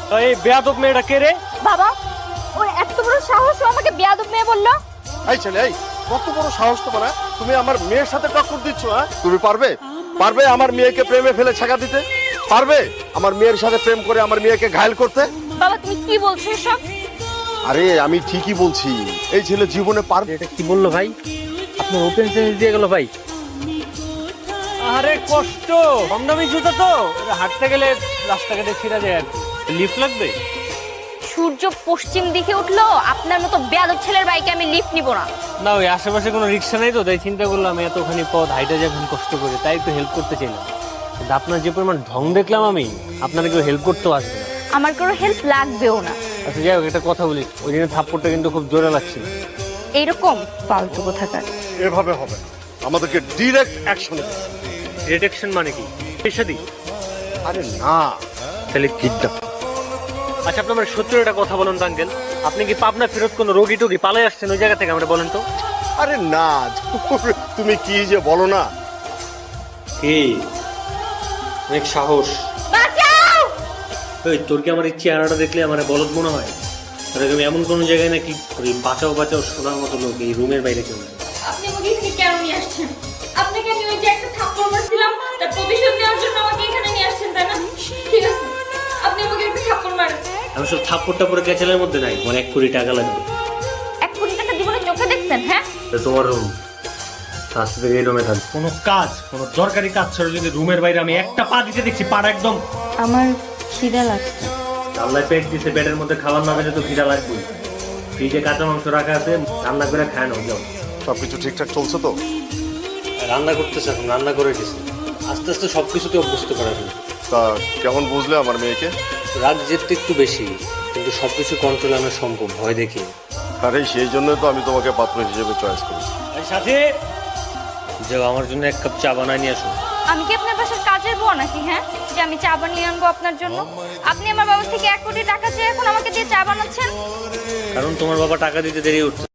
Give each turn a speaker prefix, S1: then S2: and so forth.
S1: এই বেয়াদব মেয়েটা কে রে?
S2: বাবা, ওর এত বড় সাহস, ও আমাকে বেয়াদব মেয়ে বললো।
S3: এই ছেলে, এই কত বড় সাহস তোমার? তুমি আমার মেয়ের সাথে টক্কর দিচ্ছ? তুমি পারবে পারবে আমার মেয়েকে প্রেমে ফেলে ছাকা দিতে? পারবে আমার মেয়ের সাথে প্রেম করে আমার মেয়েকে ঘায়ল করতে?
S2: বাবা, তুমি কি বলছো এসব?
S3: আরে আমি ঠিকই বলছি, এই ছেলে জীবনে পারবে।
S1: এটা কি বললো ভাই? আপনার ওপেন সেন্স দিয়ে গেল ভাই। আরে কষ্ট, কম দামি জুতা তো, এটা হাঁটতে গেলে রাস্তাঘাটে ছিঁড়া যায় আর কি। লিফট লাগবে?
S2: সূর্য পশ্চিম দিকে উঠলো, আপনার মতো বেয়াদব ছেলের বাইকে আমি লিফট নিব না।
S1: না, ওই আশেপাশে কোনো রিক্সা নেই তো, তাই চিন্তা করলাম এতখানি পথ হাইটা যখন কষ্ট করে, তাই একটু হেল্প করতে চাইলাম। কিন্তু আপনার যে পরিমাণ ঢং দেখলাম আমি, আপনারা কেউ হেল্প করতেও আসবে না।
S2: আমার কোনো হেল্প লাগবেও না।
S1: আচ্ছা যাই হোক, একটা কথা বলি, ওই দিনের থাপ্পড়টা কিন্তু খুব জোরে লাগছিল।
S2: এইরকম ফালতু কোথাকার।
S3: এভাবে হবে না, আমাদেরকে ডিরেক্ট অ্যাকশন।
S1: ডিটেকশন মানে কি? পেশাদি?
S3: আরে না,
S1: তাহলে কিডন্যাপ। আচ্ছা, আপনি আমার সত্যি একটা কথা বলুন তো আঙ্কেল, আপনি কি পাবনা ফেরত কোনো রোগী টোগী পালাই আসছেন ওই জায়গা থেকে? আমরা বলেন তো।
S3: আরে না, তুমি কি যে বলো না।
S1: কি অনেক সাহস!
S2: বাঁচাও!
S1: ওই তোর কি আমার এই চেহারাটা দেখলে আমার বলদ মনে হয়? তাহলে তুমি এমন কোনো জায়গায় নাকি ওই বাঁচাও বাঁচাও শোনার মতো লোক এই রুমের বাইরে কেউ নেই।
S2: আপনি আমাকে এখানে কেন নিয়ে আসছেন? আপনাকে আমি ওই যে একটা থাপ্পড় মারছিলাম, তার প্রতিশোধ নেওয়ার জন্য আমাকে এখানে নিয়ে আসছেন, তাই না? ঠিক আছে, আপনি আমাকে একটা থাপ্পড় মারেন।
S1: আমি সব থাপ্পড়টা পরে ক্যাচেলের মধ্যে নাই, মানে 1 কোটি টাকা লাগবে।
S2: 1 কোটি টাকা জীবনে চোখে দেখছেন? হ্যাঁ,
S1: তো তোমার রুম, আজ থেকে এই রুমে থাকবে। কোনো কাজ, কোনো দরকারি কাজ ছাড়া যদি রুমের বাইরে আমি একটা পা দিতে দেখছি, পাটা একদম।
S2: আমার খিদা লাগছে।
S1: আল্লাহ পেট দিছে, পেটের মধ্যে খাবার না পেলে তো খিদা লাগবেই। ফ্রিজে কাঁচা মাংস রাখা আছে, রান্না করে খায় নাও, যাও।
S3: সবকিছু ঠিকঠাক চলছে তো?
S1: রান্না করতেছে, এখন রান্না করে দিছে। আস্তে আস্তে সবকিছুতে অভ্যস্ত করা যাবে।
S3: তা কেমন বুঝলে আমার মেয়েকে?
S1: রাগ জেদটা একটু বেশি, কিন্তু সবকিছু কন্ট্রোল আনা সম্ভব, ভয় দেখি।
S3: আরে সেই জন্যই তো আমি তোমাকে পাত্র হিসেবে চয়েস করেছি।
S1: সাথে যাও, আমার জন্য 1 কাপ চা বানায় নিয়ে আসো।
S2: আমি কি আপনার বাসার কাজের বউ নাকি, হ্যাঁ, যে আমি চা বানিয়ে আনবো আপনার জন্য? আপনি আমার বাবা থেকে 1 কোটি টাকা চেয়ে এখন আমাকে দিয়ে চা বানাচ্ছেন?
S1: কারণ তোমার বাবা টাকা দিতে দেরি উঠছে।